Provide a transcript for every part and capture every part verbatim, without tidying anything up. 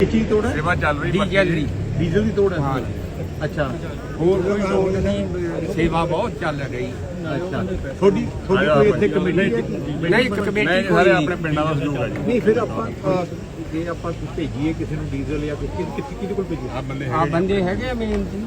ਚੀਜ਼ ਤੋੜ ਹੈ? ਸੇਵਾ ਚੱਲ ਰਹੀ ਡੀਜ਼ਲ ਦੀ ਡੀਜ਼ਲ ਦੀ ਤੋੜ ਹੈ? ਹਾਂ ਅੱਛਾ ਹੋਰ ਕੋਈ ਲੋੜ ਨਹੀਂ, ਸੇਵਾ ਬਹੁਤ ਚੱਲ ਰਹੀ। ਅੱਛਾ ਤੁਹਾਡੀ ਤੁਹਾਡੀ ਕੋਈ ਇੱਥੇ ਕਮੇਟੀ ਹੈ? ਨਹੀਂ ਇੱਕ ਕਮੇਟੀ ਨਹੀਂ ਕੋਈ ਸਾਰੇ ਨਹੀਂ। ਆਪਣੇ ਪਿੰਡਾਂ ਦਾ ਸਹਿਯੋਗ ਹੈ ਜੀ। ਨਹੀਂ ਫਿਰ ਆਪਾਂ ਅ, ਜੇ ਆਪਾਂ ਭੇਜੀਏ ਕਿਸੇ ਨੂੰ ਡੀਜ਼ਲ ਜਾਂ ਕੁਝ ਕਿਸ ਕਿਹਦੇ ਕੋਲ ਭੇਜੀਏ? ਆ ਬੰਦੇ ਆ ਬੰਦੇ ਹੈਗੇ ਮੇਨ ਜੀ।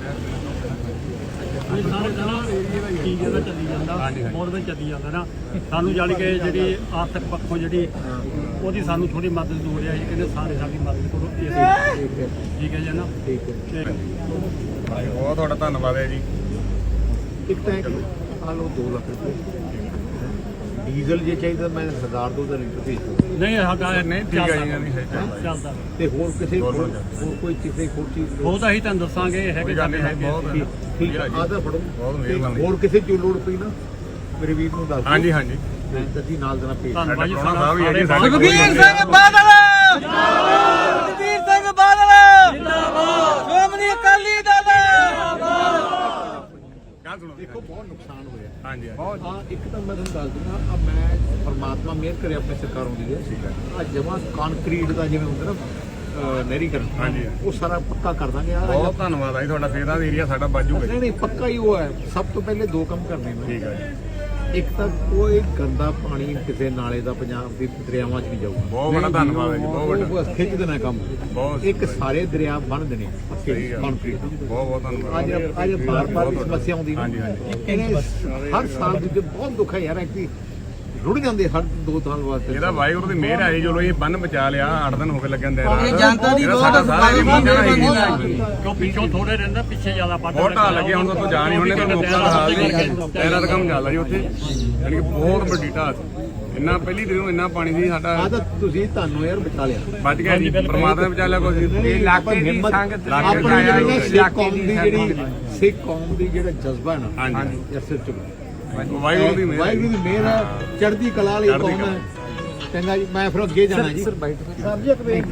ਸਾਰੇ ਦਾ ਏਰੀਆ ਦਾ ਚੀਜ਼ ਦਾ ਚੱਲੀ ਜਾਂਦਾ ਬਹੁਤ ਵਧੀਆ ਚੱਲੀ ਜਾਂਦਾ ਨਾ। ਸਾਨੂੰ ਜਾਣੀ ਕਿ ਜਿਹੜੀ ਆਰਥਿਕ ਪੱਖੋਂ ਜਿਹੜੀ ਉਹਦੀ ਸਾਨੂੰ ਥੋੜੀ ਮਦਦ ਦੀ ਲੋੜ ਹੈ। ਇਹ ਕਹਿੰਦੇ ਸਾਰੇ ਸਾਡੀ ਮਦਦ ਕਰੋ ਇਸ ਠੀਕ ਹੈ ਠੀਕ ਹੈ ਜੀ ਨਾ। ਠੀਕ ਹੈ ਤੇ ਬਹੁਤ ਤੁਹਾਡਾ ਧੰਨਵਾਦ ਹੈ ਜੀ। ਇੱਕ ਤਾਂ ਆ ਲਓ ਦੋ ਲੱਖ ਰੁਪਏ ਡੀਜ਼ਲ ਜੇ ਚਾਹੀਦਾ ਮੈਂ ਹਜ਼ਾਰ ਦੋ ਹਜ਼ਾਰ ਲੀਟਰ ਭੇਜ ਦੂੰ। ਨਹੀਂ ਸਾਡਾ ਨਹੀਂ ਠੀਕ ਹੈ ਜੀ, ਨਹੀਂ ਹੈ ਚੱਲਦਾ। ਤੇ ਹੋਰ ਕਿਸੇ ਹੋਰ ਹੋਰ ਕੋਈ ਕਿਸੇ ਹੋਰ ਚੀਜ਼ ਉਹ ਤਾਂ ਅਸੀਂ ਤੁਹਾਨੂੰ ਦੱਸਾਂਗੇ ਇਹ ਹੈਗੇ ਸਾਡੇ ਹੈਗੇ। ਬਹੁਤ ਠੀਕ ਠੀਕ ਹੈ ਜੀ। ਆ ਤਾਂ ਫੜੋ ਬਹੁਤ ਤੇ ਮਿਹਰਬਾਨੀ। ਹੋਰ ਕਿਸੇ ਚੀਜ਼ ਲੋੜ ਪਈ ਨਾ ਮੇਰੇ ਵੀਰ ਨੂੰ ਦੱਸ ਦਿਓ। ਹਾਂਜੀ ਹਾਂਜੀ ਮੈਂ ਤਾਂ ਜੀ ਨਾਲ ਦੇਣਾ ਭੇਜ ਧੰਨਵਾਦ ਜੀ ਸਾਡਾ ਸਾਹਿਬ ਵੀ ਹੈ ਜੀ, ਸਾਰੇ ਸਾਡੇ ਸੁਖਬੀਰ ਸਿੰਘ ਬਾਦਲ ਜਿੰਦਾਬਾਦ, ਸੁਖਬੀਰ ਸਿੰਘ ਬਾਦਲ ਜਿੰਦਾਬਾਦ, ਸ਼੍ਰੋਮਣੀ ਅਕਾਲੀ ਦਲ ਜਿੰਦਾਬਾਦ। ਗੱਲ ਸੁਣੋ ਦੇਖੋ ਬਹੁਤ ਨੁਕਸਾਨ ਹੋਇਆ। ਹਾਂਜੀ ਬਹੁਤ ਹਾਂ ਇੱਕ ਤਾਂ ਮੈਂ ਤੁਹਾਨੂੰ ਦੱਸ ਦਿੰਦਾ ਆ ਮੈਂ ਪਰਮਾਤਮਾ ਮਿਹਰ ਕਰੇ ਆਪਣੀ ਸਰਕਾਰੋਂ ਦੀ ਹੈ ਠੀਕ ਹੈ। ਆ ਜਮਾ ਕੰਕਰੀਟ ਦਾ ਜਿਵੇਂ ਹੁੰਦਾ ਨਾ ਅਹ ਨਹਿਰੀਕਰਨ ਹਾਂਜੀ। ਉਹ ਸਾਰਾ ਪੱਕਾ ਕਰ ਦਾਂਗੇ ਆ ਬਹੁਤ ਧੰਨਵਾਦ ਹੈ ਜੀ ਤੁਹਾਡਾ। ਫੇਰ ਦਾ ਏਰੀਆ ਸਾਡਾ ਬਾਜੂਗਾ ਨਹੀਂ ਜੀ। ਨਹੀਂ ਪੱਕਾ ਹੀ ਉਹ ਹੈ। ਸਭ ਤੋਂ ਪਹਿਲੇ ਦੋ ਕੰਮ ਕਰਨੇ ਨੇ। ਠੀਕ ਹੈ ਜੀ। ਇੱਕ ਤਾਂ ਕੋਈ ਗੰਦਾ ਪਾਣੀ ਕਿਸੇ ਨਾਲੇ ਦਾ ਪੰਜਾਬ ਦੇ ਦਰਿਆਵਾਂ 'ਚ ਨਹੀਂ ਜਾਊਗਾ। ਬਹੁਤ ਬੜਾ ਧੰਨਵਾਦ ਹੈ ਜੀ, ਬਹੁਤ ਉਹ ਵੱਡਾ ਬਸ ਖਿੱਚ ਦੇਣਾ ਕੰਮ। ਬਹੁਤ ਇੱਕ ਸਾਰੇ ਦਰਿਆ ਬੰਨ ਦੇਣੇ ਸਹੀ ਗੱਲ। ਕੰਕਰੀਟ ਬਹੁਤ ਬਹੁਤ ਧੰਨਵਾਦ। ਅੱਜ ਅੱਜ ਬਾਰ ਬਾਰ ਸਮੱਸਿਆ ਆਉਂਦੀ ਨਾ। ਹਾਂਜੀ, ਹਾਂਜੀ। ਇਹਨੇ ਹਰ ਸਾਲ ਦੂਜੇ ਬਹੁਤ ਦੁੱਖ ਹੈ ਯਾਰ ਕਿ ਰੁੜ ਜਾਂਦੇ ਹਰ ਦੋ ਸਾਲ ਵਾਸਤੇ। ਇਹਦਾ ਵਾਹਿਗੁਰੂ ਦੀ ਮਿਹਰ ਹੈ ਜੀ। ਚਲੋ ਇਹ ਬੰਨ ਬਚਾ ਲਿਆ। ਅੱਠ ਦਿਨ ਹੋ ਗਏ ਲੱਗਣ ਦੇ ਇਹ ਜਨਤਾ ਦੀ ਬਹੁਤ ਕਿਉਂ ਪਿੱਛੋਂ ਥੋੜੇ ਰਹਿੰਦਾ ਪਿੱਛੇ ਜ਼ਿਆਦਾ ਵੱਧ ਬਹੁਤ ਢਾਲ ਲੱਗੀ। ਹੁਣ ਤਾਂ ਜਾ ਨਹੀਂ ਹੁੰਦੇ ਤਾਂ ਲੋਕਾਂ ਦਾ ਹਾਲ ਨਹੀਂ। ਟਾਇਰਾਂ ਦਾ ਕੰਮ ਚੱਲਦਾ ਜੀ ਉੱਥੇ। ਯਾਨੀ ਕਿ ਬਹੁਤ ਵੱਡੀ ਢਾਲ ਸੀ। ਇੰਨਾ ਪਹਿਲੀ ਦਿਨ ਨੂੰ ਇੰਨਾ ਪਾਣੀ ਸੀ ਸਾਡਾ। ਆ ਤਾਂ ਤੁਸੀਂ ਤੁਹਾਨੂੰ ਯਾਰ ਬਚਾ ਲਿਆ। ਬਚ ਗਿਆ ਜੀ, ਪਰਮਾਤਮਾ ਨੇ ਬਚਾ ਲਿਆ ਕੁਝ। ਇਹ ਇਲਾਕੇ ਦੀ ਸੰਗਤ ਆਪਣੀ ਇਲਾਕੇ ਜਿਹੜੀ ਦੀ ਸਿੱਖ ਕੌਮ ਦੀ ਜਿਹੜੀ ਸਿੱਖ ਕੌਮ ਦੀ ਜਿਹੜਾ ਜਜ਼ਬਾ ਹੈ ਨਾ ਹਾਂਜੀ। ਇਹ ਸਿਰ ਚੁੱਕ ਵਾਹਿਗੁਰੂ ਦੀ ਮਿਹਰ ਹੈ ਜੀ। ਵਾਹਿਗੁਰੂ ਦੀ ਮਿਹਰ ਹੈ। ਚੜ੍ਹਦੀ ਕਲਾ ਵਾਲੀ ਚੜ੍ਹਦੀ ਕੌਮ ਹੈ। ਚੰਗਾ ਜੀ ਮੈਂ ਫਿਰ ਅੱਗੇ ਜਾਣਾ ਜੀ।